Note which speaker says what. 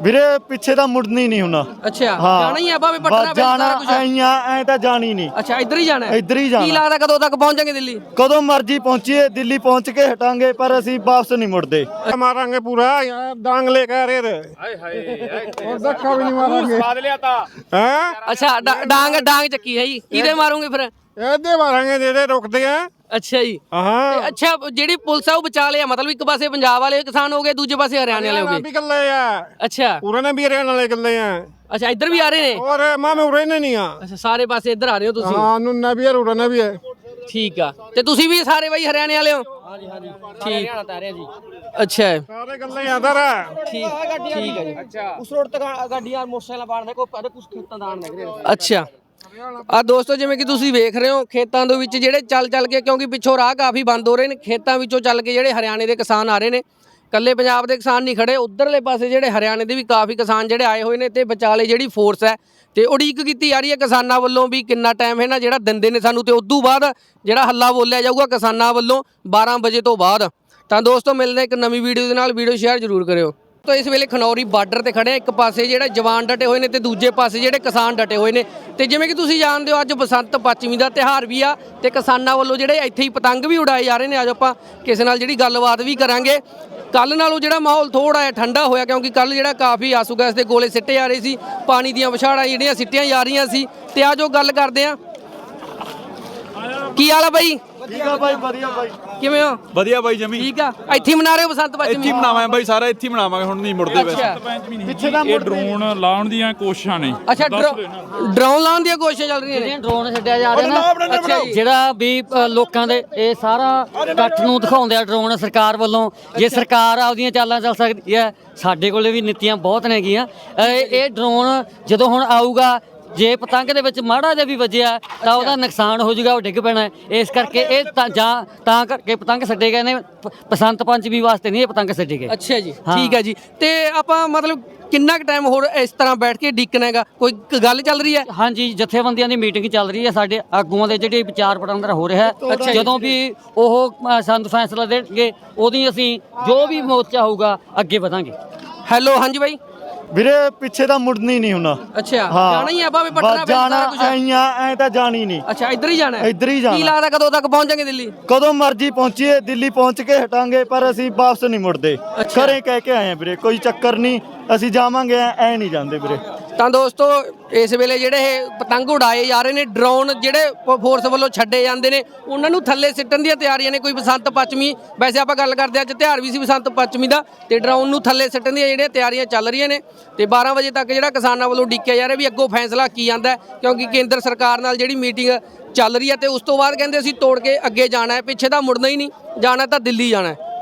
Speaker 1: ਵੀਰੇ ਪਿੱਛੇ ਤਾਂ ਮੁੜਨੀ ਨਹੀਂ ਹੁਣਾ।
Speaker 2: ਅੱਛਾ ਜਾਣਾ ਹੀ ਆ ਭਾਵੇਂ ਪਟਨਾ ਵਿੱਚ
Speaker 1: ਜਾਣਾ
Speaker 2: ਸਾਰਾ ਕੁਝ
Speaker 1: ਐ ਤਾਂ ਜਾਣੀ ਨਹੀਂ।
Speaker 2: ਅੱਛਾ ਇੱਧਰ ਹੀ ਜਾਣਾ ਹੈ?
Speaker 1: ਇੱਧਰ ਹੀ
Speaker 2: ਕੀ
Speaker 1: ਜਾਣਾ।
Speaker 2: ਲੱਗਦਾ ਕਦੋਂ ਤੱਕ ਪਹੁੰਚਾਂਗੇ ਦਿੱਲੀ?
Speaker 1: ਕਦੋਂ ਮਰਜੀ ਪਹੁੰਚੀਏ, ਦਿੱਲੀ ਪਹੁੰਚ ਕੇ ਹਟਾਂਗੇ, ਪਰ ਅਸੀਂ ਵਾਪਸ ਨਹੀਂ ਮੁੜਦੇ।
Speaker 3: मारेंगे पूरा यहाँ डांग लेकर और धक्का भी नहीं मारेंगे। स्वाद लिया था
Speaker 2: ਅੱਛਾ ਡਾਂਗ ਚੱਕੀ ਹੈ ਜੀ, ਕਿਹਦੇ ਮਾਰੋਗੇ ਫਿਰ?
Speaker 3: ऐसे मारेंगे दे रोकते हैं।
Speaker 2: ਅੱਛਾ ਜੀ
Speaker 3: हाँ
Speaker 2: ਤੇ ਅੱਛਾ ਜਿਹੜੀ ਪੁਲਿਸ ਆ ਉਹ ਬਚਾ ਲਿਆ, ਮਤਲਬ ਇੱਕ ਪਾਸੇ ਪੰਜਾਬ ਵਾਲੇ ਕਿਸਾਨ ਹੋ ਗਏ, ਦੂਜੇ ਪਾਸੇ ਹਰਿਆਣੇ ਵਾਲੇ ਹੋ
Speaker 3: भी
Speaker 2: ਗਏ।
Speaker 3: कर ले यार
Speaker 2: ਅੱਛਾ
Speaker 3: पूरे ने भी हरियाणा ले कर ले हैं
Speaker 2: ਅੱਛਾ ਇੱਧਰ ਵੀ ਆ ਰਹੇ ਨੇ?
Speaker 3: और माँ में उड़े नहीं है।
Speaker 2: ਅੱਛਾ ਸਾਰੇ ਪਾਸੇ ਇੱਧਰ ਆ ਰਹੇ ਹੋ ਤੁਸੀਂ?
Speaker 3: हाँ नुन्ना भी है उड़ना भी है।
Speaker 2: ਠੀਕ ਆ ਤੇ ਤੁਸੀਂ ਵੀ ਸਾਰੇ ਬਾਈ ਹਰਿਆਣੇ ਵਾਲੇ ਹੋ? ਹਾਂਜੀ ਹਾਂਜੀ ਠੀਕ ਹਰਿਆਣਾ ਤਾਂ ਆ ਰਹੇ ਜੀ। ਅੱਛਾ
Speaker 3: सारे कर ले इधर है।
Speaker 2: ਠੀਕ ਹੈ ਜੀ। ਅੱਛਾ ਉਸ ਰੋਡ ਤੇ ਗੱਡੀਆਂ ਮੋਟਰਸਾਈਕਲ ਬਾੜਦੇ ਕੋਈ ਕੁਝ ਖੇਤਾਂ ਦਾ ਆਣ ਲੱਗ ਰਿਹਾ। ਅੱਛਾ ਆ ਦੋਸਤੋ ਜਿਵੇਂ ਕਿ ਤੁਸੀਂ ਵੇਖ ਰਹੇ ਹੋ ਖੇਤਾਂ ਦੇ ਵਿੱਚ ਜਿਹੜੇ ਚੱਲ ਕੇ, ਕਿਉਂਕਿ ਪਿੱਛੋਂ ਰਾਹ ਕਾਫੀ ਬੰਦ ਹੋ ਰਹੇ ਨੇ, ਖੇਤਾਂ ਵਿੱਚੋਂ ਚੱਲ ਕੇ ਜਿਹੜੇ ਹਰਿਆਣੇ ਦੇ ਕਿਸਾਨ ਆ ਰਹੇ ਨੇ। ਕੱਲੇ ਪੰਜਾਬ ਦੇ ਕਿਸਾਨ ਨਹੀਂ ਖੜੇ, ਉਧਰਲੇ ਪਾਸੇ ਜਿਹੜੇ ਹਰਿਆਣੇ ਦੇ ਵੀ ਕਾਫੀ ਕਿਸਾਨ ਜਿਹੜੇ ਆਏ ਹੋਏ ਨੇ ਤੇ ਵਿਚਾਲੇ ਜਿਹੜੀ ਫੋਰਸ ਹੈ ਤੇ ਉਡੀਕ ਕੀਤੀ ਜਾ ਰਹੀ ਹੈ ਕਿਸਾਨਾਂ ਵੱਲੋਂ ਵੀ ਕਿੰਨਾ ਟਾਈਮ ਹੈ ਨਾ ਜਿਹੜਾ ਦਿੰਦੇ ਨੇ ਸਾਨੂੰ, ਤੇ ਉਦੋਂ ਬਾਅਦ ਜਿਹੜਾ ਹੱਲਾ ਬੋਲਿਆ ਜਾਊਗਾ ਕਿਸਾਨਾਂ ਵੱਲੋਂ 12 ਵਜੇ ਤੋਂ ਬਾਅਦ। ਤਾਂ ਦੋਸਤੋ ਮਿਲਦੇ ਇੱਕ ਨਵੀਂ ਵੀਡੀਓ ਦੇ ਨਾਲ, ਵੀਡੀਓ ਸ਼ੇਅਰ ਜ਼ਰੂਰ ਕਰਿਓ। ਤਾਂ ਇਸ ਵੇਲੇ ਖਨੌਰੀ ਬਾਰਡਰ ਤੇ ਖੜੇ ਆ, ਇੱਕ ਪਾਸੇ ਜਿਹੜਾ ਜਵਾਨ ਡਟੇ ਹੋਏ ਨੇ ਤੇ ਦੂਜੇ ਪਾਸੇ ਜਿਹੜੇ ਕਿਸਾਨ ਡਟੇ ਹੋਏ ਨੇ। ਤੇ ਜਿਵੇਂ ਕਿ ਤੁਸੀਂ ਜਾਣਦੇ ਹੋ ਅੱਜ ਬਸੰਤ ਪੰਚਮੀ ਦਾ ਤਿਉਹਾਰ ਵੀ ਆ ਤੇ ਕਿਸਾਨਾਂ ਵੱਲੋਂ ਜਿਹੜੇ ਇੱਥੇ ਹੀ ਪਤੰਗ ਵੀ ਉਡਾਏ ਜਾ ਰਹੇ ਨੇ। ਅੱਜ ਆਪਾਂ ਕਿਸੇ ਨਾਲ ਜਿਹੜੀ ਗੱਲਬਾਤ ਵੀ ਕਰਾਂਗੇ। ਕੱਲ ਨਾਲੋਂ ਜਿਹੜਾ ਮਾਹੌਲ ਥੋੜਾ ਜਿਹਾ ਠੰਡਾ ਹੋਇਆ, ਕਿਉਂਕਿ ਕੱਲ ਜਿਹੜਾ ਕਾਫੀ ਆਸੂ ਗੈਸ ਦੇ ਗੋਲੇ ਸਿੱਟੇ ਜਾ ਰਹੇ ਸੀ, ਪਾਣੀ ਦੀਆਂ ਵਿਛਾੜਾਂ ਜਿਹੜੀਆਂ ਸਿੱਟੀਆਂ ਜਾ ਰਹੀਆਂ ਸੀ। ਤੇ ਆ ਜੋ ਗੱਲ ਕਰਦੇ ਆ, ਕੀ ਹਾਲ ਆ ਬਾਈ?
Speaker 1: ਠੀਕ ਆ ਬਾਈ, ਵਧੀਆ ਬਾਈ।
Speaker 2: ਕਿਵੇਂ ਹੋ?
Speaker 4: ਵਧੀਆ ਬਾਈ ਜਮੀ
Speaker 2: ਠੀਕ ਆ। ਇੱਥੇ ਮਨਾ ਰਹੇ ਹੋ ਬਸੰਤ ਪੰਚਮੀ?
Speaker 4: ਇੱਥੇ ਮਨਾਵਾਂਗੇ ਬਾਈ, ਸਾਰਾ ਇੱਥੇ ਮਨਾਵਾਂਗੇ, ਹੁਣ ਨਹੀਂ ਮੁੜਦੇ ਵੈਸੇ।
Speaker 1: ਪਿੱਛੇ ਤਾਂ
Speaker 5: ਇਹ ਡਰੋਨ ਲਾਉਣ ਦੀਆਂ ਕੋਸ਼ਿਸ਼ਾਂ ਨੇ।
Speaker 2: ਅੱਛਾ ਡਰੋਨ ਲਾਉਣ ਦੀਆਂ ਕੋਸ਼ਿਸ਼ਾਂ ਚੱਲ ਰਹੀਆਂ ਨੇ।
Speaker 6: ਡਰੋਨ ਛੱਡਿਆ ਜਾ ਰਿਹਾ ਨਾ, ਜਿਹੜਾ ਵੀ ਲੋਕਾਂ ਦੇ ਇਹ ਸਾਰਾ ਇਕੱਠ ਨੂੰ ਦਿਖਾਉਂਦੇ ਆ ਡਰੋਨ ਸਰਕਾਰ ਵੱਲੋਂ। ਜੇ ਸਰਕਾਰ ਆਪਦੀਆਂ ਚਾਲਾਂ ਚੱਲ ਸਕਦੀ ਹੈ, ਸਾਡੇ ਕੋਲੇ ਵੀ ਨੀਤੀਆਂ ਬਹੁਤ ਨੇਗੀਆਂ। ਇਹ ਡਰੋਨ ਜਦੋਂ ਹੁਣ ਆਊਗਾ, ਜੇ ਪਤੰਗ ਦੇ ਵਿੱਚ ਮਾੜਾ ਜਿਹਾ ਵੀ ਵੱਜਿਆ ਤਾਂ ਉਹਦਾ ਨੁਕਸਾਨ ਹੋ ਜਾਊਗਾ, ਉਹ ਡਿੱਗ ਪੈਣਾ। ਇਸ ਕਰਕੇ ਇਹ ਤਾਂ ਕਰਕੇ ਪਤੰਗ ਛੱਡੇ ਗਏ ਨੇ, ਬਸੰਤ ਪੰਚਮੀ ਵਾਸਤੇ ਨਹੀਂ ਇਹ ਪਤੰਗ ਛੱਡੇ ਗਏ।
Speaker 2: ਅੱਛਾ ਜੀ ਠੀਕ ਹੈ ਜੀ। ਤੇ ਆਪਾਂ ਮਤਲਬ ਕਿੰਨਾ ਕੁ ਟਾਈਮ ਹੋਰ ਇਸ ਤਰ੍ਹਾਂ ਬੈਠ ਕੇ ਡੀਕਣਾ ਹੈਗਾ? ਕੋਈ ਗੱਲ ਚੱਲ ਰਹੀ ਹੈ?
Speaker 6: ਹਾਂਜੀ ਜਥੇਬੰਦੀਆਂ ਦੀ ਮੀਟਿੰਗ ਚੱਲ ਰਹੀ ਹੈ, ਸਾਡੇ ਆਗੂਆਂ ਦੇ ਜਿਹੜੇ ਵਿਚਾਰ ਵਟਾਂਦਰਾ ਹੋ ਰਿਹਾ ਹੈ। ਜਦੋਂ ਵੀ ਉਹ ਸਾਨੂੰ ਫੈਸਲਾ ਦੇਣਗੇ, ਉਹਦੀ ਅਸੀਂ ਜੋ ਵੀ ਮੋਰਚਾ ਹੋਊਗਾ ਅੱਗੇ ਵਧਾਂਗੇ।
Speaker 2: ਹੈਲੋ ਹਾਂਜੀ ਬਾਈ।
Speaker 1: ਵੀਰੇ ਪਿੱਛੇ ਤਾਂ ਮੁੜਨੀ ਨਹੀਂ ਹੁਣਾ।
Speaker 2: ਅੱਛਾ ਜਾਣਾ ਹੀ ਆ ਭਾਵੇਂ ਪਟਨਾ ਵਿੱਚ
Speaker 1: ਜਾਣਾ
Speaker 2: ਸਾਰਾ ਕੁਝ?
Speaker 1: ਐ ਤਾਂ ਜਾਣੀ ਨਹੀਂ।
Speaker 2: ਅੱਛਾ ਇੱਧਰ ਹੀ ਜਾਣਾ ਹੈ?
Speaker 1: ਇੱਧਰ ਹੀ ਜਾਣਾ।
Speaker 2: ਕੀ ਲੱਗਦਾ ਕਦੋਂ ਤੱਕ ਪਹੁੰਚਾਂਗੇ ਦਿੱਲੀ?
Speaker 1: ਕਦੋਂ ਮਰਜੀ ਪਹੁੰਚੀਏ, ਦਿੱਲੀ ਪਹੁੰਚ ਕੇ ਹਟਾਂਗੇ, ਪਰ ਅਸੀਂ ਵਾਪਸ ਨਹੀਂ ਮੁੜਦੇ। ਘਰੇ ਕਹਿ ਕੇ ਆਏ ਆ ਵੀਰੇ, ਕੋਈ ਚੱਕਰ ਨਹੀਂ, ਅਸੀਂ ਜਾਵਾਂਗੇ, ਐ ਨਹੀਂ ਜਾਂਦੇ ਵੀਰੇ।
Speaker 2: ਤਾਂ ਦੋਸਤੋ ਇਸ ਵੇਲੇ ਜਿਹੜੇ ਇਹ ਪਤੰਗ ਉਡਾਏ ਜਾ ਰਹੇ ਨੇ, ਡਰੋਨ ਜਿਹੜੇ ਫੋਰਸ ਵੱਲੋਂ ਛੱਡੇ ਜਾਂਦੇ ਨੇ, ਉਹਨਾਂ ਨੂੰ ਥੱਲੇ ਸਿੱਟਣ ਦੀਆਂ ਤਿਆਰੀਆਂ ਨੇ। ਕੋਈ ਬਸੰਤ ਪੰਚਮੀ, ਵੈਸੇ ਆਪਾਂ ਗੱਲ ਕਰਦੇ ਅੱਜ ਤਿਉਹਾਰ ਵੀ ਸੀ ਬਸੰਤ ਪੰਚਮੀ ਦਾ, ਤੇ ਡਰੋਨ ਨੂੰ ਥੱਲੇ ਸਿੱਟਣ ਦੀਆਂ ਜਿਹੜੀਆਂ ਤਿਆਰੀਆਂ ਚੱਲ ਰਹੀਆਂ ਨੇ। ਤੇ 12 ਵਜੇ ਤੱਕ ਜਿਹੜਾ ਕਿਸਾਨਾਂ ਵੱਲੋਂ ਉਡੀਕਿਆ ਜਾ ਰਿਹਾ ਵੀ ਅੱਗੋਂ ਫੈਸਲਾ ਕੀ ਆਉਂਦਾ ਹੈ, ਕਿਉਂਕਿ ਕੇਂਦਰ ਸਰਕਾਰ ਨਾਲ ਜਿਹੜੀ ਮੀਟਿੰਗ ਚੱਲ ਰਹੀ ਹੈ ਤੇ ਉਸ ਤੋਂ ਬਾਅਦ ਕਹਿੰਦੇ ਅਸੀਂ ਤੋੜ ਕੇ ਅੱਗੇ ਜਾਣਾ ਹੈ, ਪਿੱਛੇ ਤਾਂ ਮੁੜਨਾ ਹੀ ਨਹੀਂ, ਜਾਣਾ ਤਾਂ ਦਿੱਲੀ ਜਾਣਾ ਹੈ।